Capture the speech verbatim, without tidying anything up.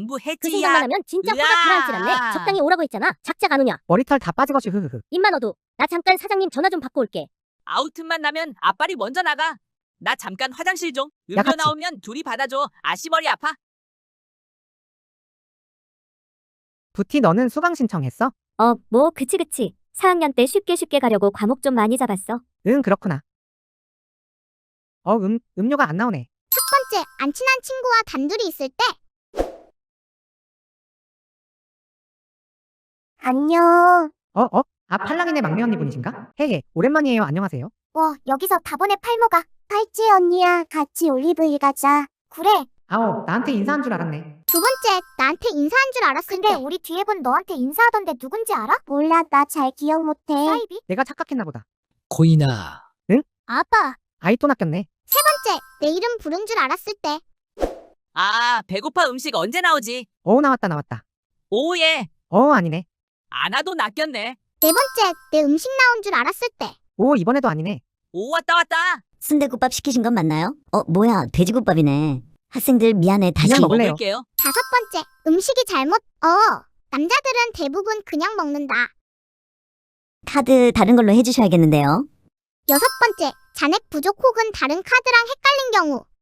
전부 그 해지야. 생각만 하면 진짜 화가 으아. 가라앉질 않네. 적당히 오라고 했잖아. 작작 안 오냐. 머리털 다 빠지거지 흐흐흐. 입만 어두. 나 잠깐 사장님 전화 좀 받고 올게. 아웃만 나면 앞발이 먼저 나가. 나 잠깐 화장실 좀. 야, 음료 같이. 나오면 둘이 받아줘. 아씨 머리 아파. 부티 너는 수강 신청했어? 어, 뭐 그치 그치. 사 학년 때 쉽게 쉽게 가려고 과목 좀 많이 잡았어. 응 그렇구나. 어 음, 음료가 안 나오네. 첫 번째, 안 친한 친구와 단둘이 있을 때. 안녕. 어 어? 아 팔랑이네 막내 언니 분이신가? 헤헤 오랜만이에요. 안녕하세요. 와, 여기서 다보네 팔모가. 팔찌 언니야, 같이 올리브일 가자. 그래. 아오 나한테 인사한 줄 알았네. 두 번째, 나한테 인사한 줄 알았을 근데 때. 우리 뒤에 분 너한테 인사하던데 누군지 알아? 몰라, 나 잘 기억 못해. 사이비? 내가 착각했나 보다. 코이나. 아빠. 아이 또 낚였네. 세 번째, 내 이름 부른 줄 알았을 때. 아, 배고파. 음식 언제 나오지? 어 나왔다 나왔다. 오예. 어 아니네. 안 와도 낚였네. 네 번째, 내 음식 나온 줄 알았을 때. 오 이번에도 아니네. 오 왔다 왔다. 순대국밥 시키신 건 맞나요? 어, 뭐야, 돼지국밥이네. 학생들 미안해, 다시. 그냥 먹을래요. 먹을게요. 다섯 번째, 음식이 잘못. 어, 남자들은 대부분 그냥 먹는다. 카드 다른 걸로 해주셔야겠는데요. 여섯 번째, 잔액 부족 혹은 다른 카드랑 헷갈린 경우.